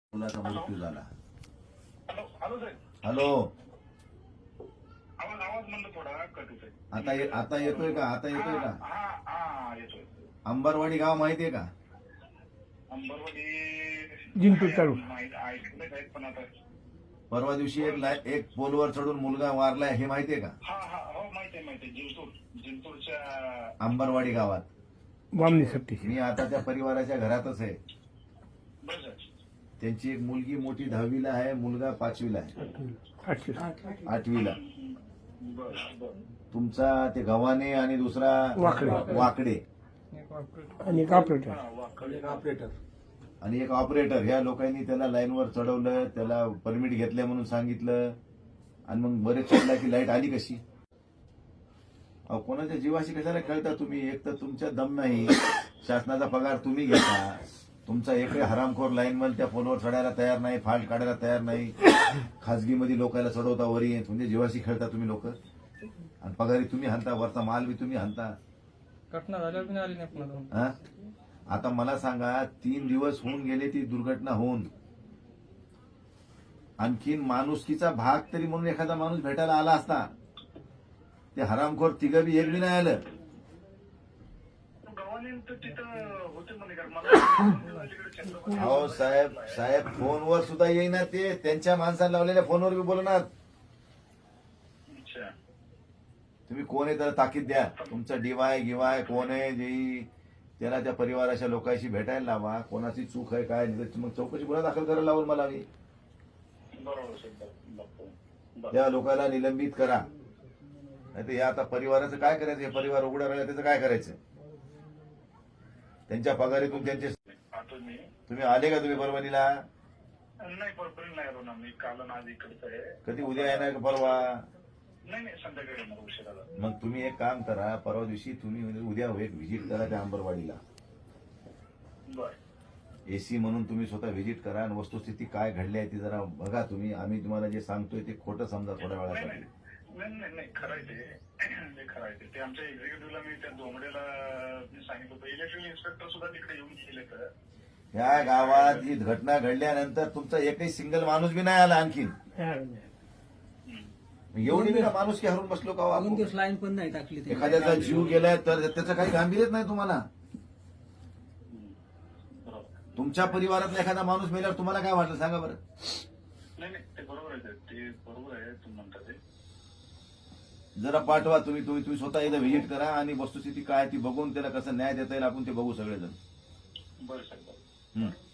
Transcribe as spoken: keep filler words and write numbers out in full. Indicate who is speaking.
Speaker 1: मुलाचा मृत्यू झाला.
Speaker 2: हॅलो हॅलो साहेब.
Speaker 1: हॅलो,
Speaker 2: आवाज आवाज म्हणलं थोडा कट होतोय.
Speaker 1: आता ये- आता येतोय का? आता येतोय का?
Speaker 2: हा हा येतोय.
Speaker 1: अंबरवाडी गाव माहितीये का?
Speaker 2: अंबरवाडी
Speaker 3: जिंतूर तालुका.
Speaker 2: माहित ऐकलंय साहेब, पण आता
Speaker 1: परवा दिवशी एक लाय- एक पोलवर चढून मुलगा वारलाय, हे माहितीये का?
Speaker 2: हा हा हो माहिती आहे माहिती आहे. जिंतूर जिंतूरच्या
Speaker 1: अंबरवाडी गावात.
Speaker 3: वामनी सप्ती.
Speaker 1: मी आता त्या परिवाराच्या घरातच आहे.
Speaker 2: बरं साहेब.
Speaker 1: त्यांची एक मुलगी मोठी दहावीला आहे, मुलगा पाचवीला आहे,
Speaker 3: आठशे
Speaker 1: आठवीला.
Speaker 2: बरं बरं
Speaker 1: तुमचा ते गव्हाणे आणि दुसरा
Speaker 3: वाकडे.
Speaker 1: वाकडे
Speaker 3: आणि एक ऑपरेटर.
Speaker 2: हा वाकडे.
Speaker 1: आणि एक ऑपरेटर. ह्या लोकांनी त्याला लाईनवर चढवलं, त्याला परमिट घेतल्या म्हणून सांगितलं, आणि मग बरेच चढला की लाईट आली कशी? अहो, कोणाच्या जीवाशी कशाला खेळता तुम्ही? एक तर तुमच्या दम नाही, शासनाचा पगार तुम्ही घेता, तुमचा एकही हरामखोर लाईनमन त्या फोनवर चढायला तयार नाही, फाल्ट काढायला तयार नाही, खाजगीमध्ये लोकांना चढवता वरी, तुमच्या जीवाशी खेळता तुम्ही लोक, आणि पगारी तुम्ही हाणता, वरचा माल बी तुम्ही हाणता.
Speaker 4: घटना झाल्यावर पण आली नाही पुन्हा.
Speaker 1: हा? आता मला सांगा, तीन दिवस होऊन गेले ती दुर्घटना होऊन, आणखीन माणुसकीचा भाग तरी म्हणून एखादा माणूस भेटायला आला असता. ते हरामखोर तिघं बी एक बी नाही आलं.
Speaker 2: गव्हाणे तर तिथं होते म्हणे का मला.
Speaker 1: अहो साहेब, साहेब फोनवर सुद्धा येईना ते, त्यांच्या माणसाला लावलेल्या फोनवर बी बोलणार.
Speaker 2: अच्छा.
Speaker 1: तुम्ही कोण आहे त्याला ताकीद द्या, तुमचा डिवाय गिवाय कोण आहे जे, त्याला त्या परिवाराच्या लोकांशी भेटायला लावा, कोणाची चूक आहे काय नाही, मग चौकशी गुन्हा दाखल करायला लावून मला मी
Speaker 2: बरोबर साहेब. बरोबर.
Speaker 1: त्या लोकांना निलंबित करा. नाही तर हे आता परिवाराचं काय करायचं? हे परिवार उघडा राहिला त्याचं काय करायचं? त्यांच्या पगारीतून त्यांचे.
Speaker 2: आता मी
Speaker 1: तुम्ही आले का तुम्ही परभणीला?
Speaker 2: नाही परपर्यंत नाही आलो ना मी. काल आणि आज इकडचं आहे.
Speaker 1: कधी उद्या येणार का परवा?
Speaker 2: नाही नाही संध्याकाळी येणार उशिराला.
Speaker 1: मग तुम्ही एक काम करा, परवा दिवशी तुम्ही म्हणजे उद्या एक व्हिजिट करा त्या अंबरवाडीला.
Speaker 2: बर.
Speaker 1: एसी म्हणून तुम्ही स्वतः व्हिजिट करा आणि वस्तुस्थिती काय घडली आहे ती जरा बघा तुम्ही. आम्ही तुम्हाला जे सांगतोय ते खोटं समजा थोड्या
Speaker 2: नाही
Speaker 1: वेळासाठी.
Speaker 2: नाही नाही नाही खरं आहे ते. ते खरं आहे ते. ते आमच्या एक्झिक्युटिव्हला मी त्या दोमडेला मी सांगितलं होतं. इलेक्ट्रिकल इन्स्पेक्टर सुद्धा तिकडे येऊन गेले तर.
Speaker 1: ह्या गावात ही घटना घडल्यानंतर तुमचा एकही सिंगल माणूस बी नाही आला आणखीन. एवढी बी ना माणूस की हरून बसलो का हो
Speaker 5: अजून
Speaker 1: आपण?
Speaker 5: दिवस लाईन पण नाही टाकली ते.
Speaker 1: एखाद्याचा जीव गेलाय तर त्याचं काही गांभीर्यच नाही तुम्हाला.
Speaker 2: बरोबर.
Speaker 1: तुमच्या परिवारातला एखादा माणूस मेल्यावर तुम्हाला काय वाटलं सांगा बरं?
Speaker 2: नाही नाही ते बरोबर आहे. ते बरोबर आहे तुम्ही म्हणता ते.
Speaker 1: जरा पाठवा तुम्ही तुम्ही तुम्ही स्वतः एकदा व्हिजिट करा आणि वस्तुस्थिती काय ती बघून त्याला कसं न्याय देता येईल आपण ते बघू सगळेजण.
Speaker 2: बरं साहेब. बरं.
Speaker 1: हं.